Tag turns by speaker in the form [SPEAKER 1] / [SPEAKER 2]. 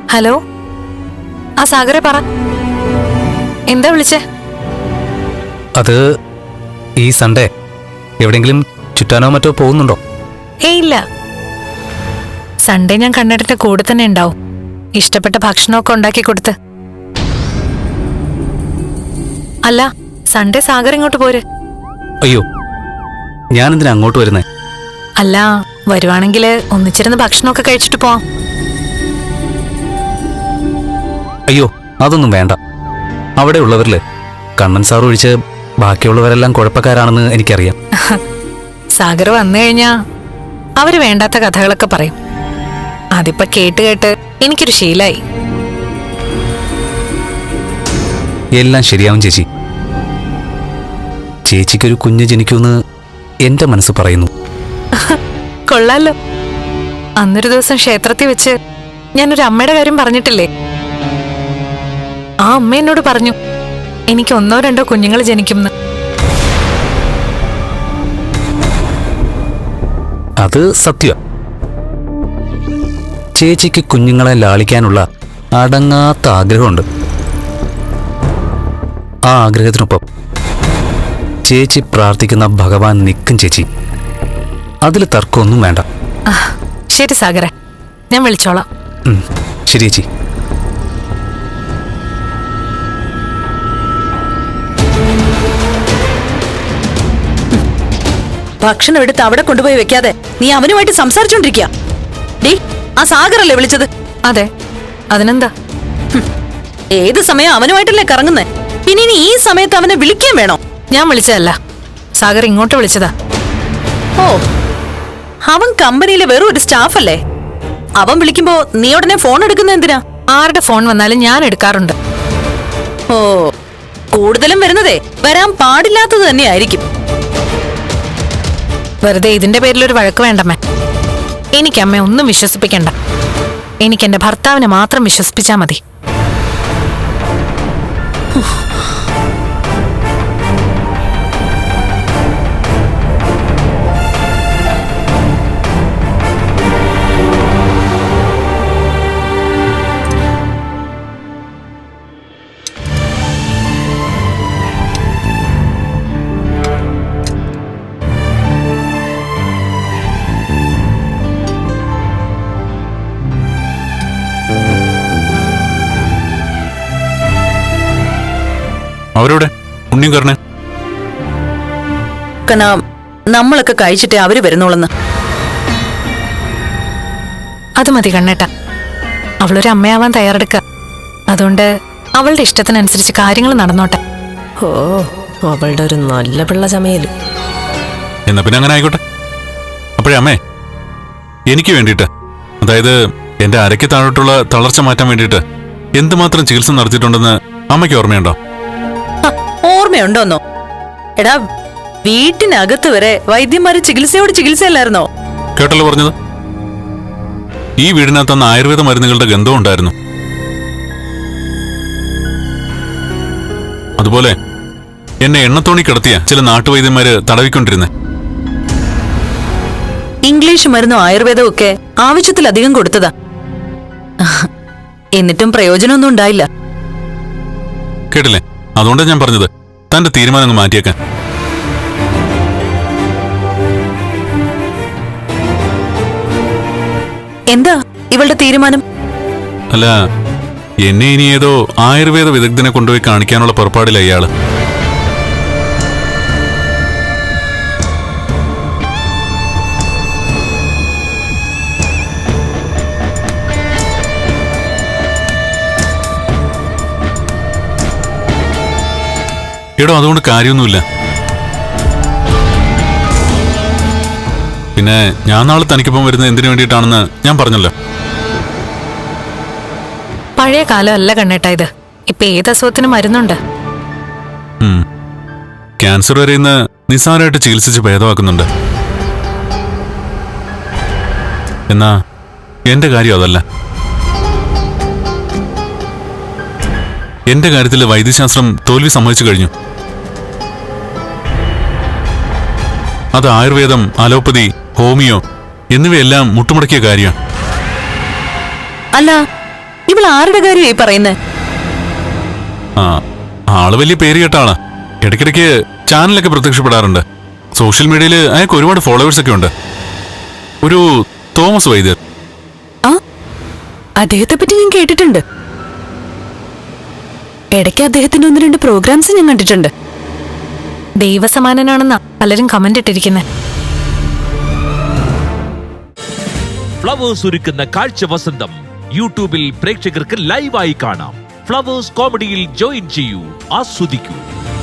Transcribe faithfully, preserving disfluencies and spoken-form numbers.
[SPEAKER 1] Hello, ആ സാഗറെ പറ, എന്താ വിളിച്ചേ?
[SPEAKER 2] അത് ഈ സൺഡേ എവിടെയെങ്കിലും ചുറ്റാനോ മറ്റോ പോകുന്നുണ്ടോ?
[SPEAKER 1] ഏയ് ഇല്ല, സൺഡേ ഞാൻ കണ്ണേട്ടന്റെ കൂടെ തന്നെ ഉണ്ടാവും. ഇഷ്ടപ്പെട്ട ഭക്ഷണമൊക്കെ ഉണ്ടാക്കി കൊടുത്ത്. അല്ല, സൺഡേ സാഗർ ഇങ്ങോട്ട് പോര്.
[SPEAKER 2] അയ്യോ, ഞാനെന്തിനാ അങ്ങോട്ട് വരുന്നേ?
[SPEAKER 1] അല്ല, വരുവാണെങ്കിൽ ഒന്നിച്ചിരുന്ന് ഭക്ഷണമൊക്കെ കഴിച്ചിട്ട് പോവാം.
[SPEAKER 2] അയ്യോ, അതൊന്നും വേണ്ട. അവിടെ ഉള്ളവരില് കണ്ണൻ സാർ ഒഴിച്ച് ബാക്കിയുള്ളവരെല്ലാം കുഴപ്പക്കാരാണെന്ന് എനിക്കറിയാം.
[SPEAKER 1] സാഗർ വന്നു കഴിഞ്ഞാ അവര് വേണ്ടാത്ത കഥകളൊക്കെ പറയും. അതിപ്പോ കേട്ട് കേട്ട് എനിക്കൊരു ശീലായി.
[SPEAKER 2] എല്ലാം ശരിയാവും ചേച്ചി. ചേച്ചിക്കൊരു കുഞ്ഞ് ജനിക്കുമെന്ന് എന്റെ മനസ്സ് പറയുന്നു.
[SPEAKER 1] കൊള്ളാലോ. അന്നൊരു ദിവസം ക്ഷേത്രത്തിൽ വെച്ച് ഞാനൊരു അമ്മയുടെ കാര്യം പറഞ്ഞിട്ടില്ലേ? ആ അമ്മ എന്നോട് പറഞ്ഞു എനിക്ക് ഒന്നോ രണ്ടോ കുഞ്ഞുങ്ങൾ ജനിക്കുമെന്ന്.
[SPEAKER 2] അത് സത്യം. ചേച്ചിക്ക് കുഞ്ഞുങ്ങളെ ലാളിക്കാനുള്ള അടങ്ങാത്ത ആഗ്രഹമുണ്ട്. ആ ആഗ്രഹത്തിനൊപ്പം ചേച്ചി പ്രാർത്ഥിക്കുന്ന ഭഗവാൻ നിൽക്കും ചേച്ചി. അതിൽ തർക്കമൊന്നും വേണ്ട.
[SPEAKER 1] ശരി സാഗറെ, ഞാൻ വിളിച്ചോളാം.
[SPEAKER 2] ശരി ചേച്ചി.
[SPEAKER 3] ഭക്ഷണം എടുത്ത് അവിടെ കൊണ്ടുപോയി വെക്കാതെ നീ അവനുമായിട്ട് സംസാരിച്ചോണ്ടിരിക്കുക. ഡേ, ആ സാഗറല്ലേ വിളിച്ചത്?
[SPEAKER 1] അതെ, അതിനെന്താ?
[SPEAKER 3] ഏത് സമയം അവനുമായിട്ടല്ലേ കറങ്ങുന്നേ? പിന്നെ ഇനി ഈ സമയത്ത് അവനെ വിളിക്കാൻ വേണോ?
[SPEAKER 1] ഞാൻ വിളിച്ചതല്ല, സാഗർ ഇങ്ങോട്ട് വിളിച്ചതാ.
[SPEAKER 3] ഓ, അവൻ കമ്പനിയിലെ വെറും ഒരു സ്റ്റാഫ് അല്ലേ? അവൻ വിളിക്കുമ്പോ നീ ഉടനെ ഫോൺ എടുക്കുന്ന എന്തിനാ?
[SPEAKER 1] ആരുടെ ഫോൺ വന്നാലും ഞാൻ എടുക്കാറുണ്ട്.
[SPEAKER 3] ഓ, കൂടുതലും വരുന്നതേ വരാൻ പാടില്ലാത്തത് തന്നെയായിരിക്കും.
[SPEAKER 1] വെറുതെ ഇതിന്റെ പേരിലൊരു വഴക്ക് വേണ്ടമ്മേ. എനിക്ക് അമ്മ ഒന്നും വിശ്വസിപ്പിക്കണ്ട. എനിക്ക് എന്റെ ഭർത്താവിനെ മാത്രം വിശ്വസിപ്പിച്ചാ മതി.
[SPEAKER 4] അവരോടെ ഉണ്ണിയും കരണേ
[SPEAKER 3] കനാ, നമ്മളൊക്കെ കഴിച്ചിട്ടേ അവര് വരുന്നോളെന്ന്.
[SPEAKER 1] അത് മതി കണ്ണേട്ട. അവളൊരു അമ്മയാവാൻ തയ്യാറെടുക്ക. അതുകൊണ്ട് അവളുടെ ഇഷ്ടത്തിനനുസരിച്ച് കാര്യങ്ങൾ നടന്നോട്ടെ.
[SPEAKER 5] ഓ, അവളുടെ ഒരു നല്ല പിള്ള ചമയല്.
[SPEAKER 4] എന്നാ പിന്നെ അങ്ങനെ ആയിക്കോട്ടെ. അപ്പോഴേ അമ്മേ, എനിക്ക് വേണ്ടിയിട്ട്, അതായത് എന്റെ അരയ്ക്ക് താഴോട്ടുള്ള തളർച്ച മാറ്റാൻ വേണ്ടിയിട്ട് എന്തുമാത്രം ചികിത്സ നടത്തിയിട്ടുണ്ടെന്ന് അമ്മയ്ക്ക് ഓർമ്മയുണ്ടോ?
[SPEAKER 3] ഓർമ്മയുണ്ടോന്നോ? എടാ, വീട്ടിനകത്ത് വരെ വൈദ്യന്മാര് ചികിത്സയോട് ചികിത്സയല്ലായിരുന്നോ?
[SPEAKER 4] കേട്ടല്ലോ പറഞ്ഞത്. ഈ വീടിനകത്ത് അന്ന് ആയുർവേദ മരുന്നുകളുടെ ഗന്ധം ഉണ്ടായിരുന്നു. അതുപോലെ എന്നെ എണ്ണത്തോണി കിടത്തിയ ചില നാട്ടുവൈദ്യന്മാര് തടവിക്കൊണ്ടിരുന്നേ.
[SPEAKER 3] ഇംഗ്ലീഷ് മരുന്നും ആയുർവേദവും ഒക്കെ ആവശ്യത്തിലധികം കൊടുത്തതാ. എന്നിട്ടും പ്രയോജനമൊന്നും ഉണ്ടായില്ല.
[SPEAKER 4] കേട്ടില്ലേ? അതുകൊണ്ടാണ് ഞാൻ പറഞ്ഞത് തന്റെ തീരുമാനം അങ്ങ് മാറ്റിയേക്കാൻ.
[SPEAKER 3] എന്താ ഇവളുടെ തീരുമാനം?
[SPEAKER 4] അല്ല, എന്നെ ഇനി ഏതോ ആയുർവേദ വിദഗ്ധനെ കൊണ്ടുപോയി കാണിക്കാനുള്ള പുറപ്പാടില്ല ഇയാള്. എടോ, അതുകൊണ്ട് കാര്യമൊന്നുമില്ല. പിന്നെ ഞാൻ നാളെ തനിക്കൊപ്പം വരുന്നത് എന്തിനു വേണ്ടിയിട്ടാണെന്ന് ഞാൻ പറഞ്ഞല്ലോ.
[SPEAKER 1] പഴയ കാലമല്ല കണ്ണേട്ട ഇത്. ഇപ്പൊ ഏത് അസുഖത്തിനും മരുന്നുണ്ട്.
[SPEAKER 4] ക്യാൻസർ വരെ ഇന്ന് നിസ്സാരമായിട്ട് ചികിത്സിച്ച് ഭേദമാക്കുന്നുണ്ട്. എന്നാ എന്റെ കാര്യം അതല്ല. എന്റെ കാര്യത്തിൽ വൈദ്യശാസ്ത്രം തോൽവി സമ്മതിച്ചു കഴിഞ്ഞു. അത് ആയുർവേദം, അലോപ്പതി, ഹോമിയോ എന്നിവയെല്ലാം മുട്ടുമുടക്കിയ കാര്യമാണ്.
[SPEAKER 3] അല്ല, ഇവൾ ആരുടെ കാര്യമായി പറയുന്നേ?
[SPEAKER 4] ആ ആള് വലിയ പേര് കേട്ടാണ്. ഇടയ്ക്കിടയ്ക്ക് ചാനലൊക്കെ പ്രത്യക്ഷപ്പെടാറുണ്ട്. സോഷ്യൽ മീഡിയയിൽ അയാൾക്ക് ഒരുപാട് ഫോളോവേഴ്സ് ഒക്കെ ഉണ്ട്. ഒരു തോമസ് വൈദ്യർ.
[SPEAKER 3] ആ അദ്ദേഹത്തെ പറ്റി ഞാൻ കേട്ടിട്ടുണ്ട്. ഇടയ്ക്ക് അദ്ദേഹത്തിന്റെ ഒന്ന് രണ്ട് പ്രോഗ്രാംസ് ഞാൻ കണ്ടിട്ടുണ്ട്.
[SPEAKER 1] ദൈവസമാനനാണെന്നാ പലരും കമന്റ് ഇട്ടിരിക്കുന്നത്.
[SPEAKER 6] ഫ്ലവേഴ്സ് ഒരുക്കുന്ന കാഴ്ച വസന്തം യൂട്യൂബിൽ പ്രേക്ഷകർക്ക് ലൈവായി കാണാം. ഫ്ലവേഴ്സ് കോമഡിയിൽ ജോയിൻ ചെയ്യൂ, ആസ്വദിക്കൂ.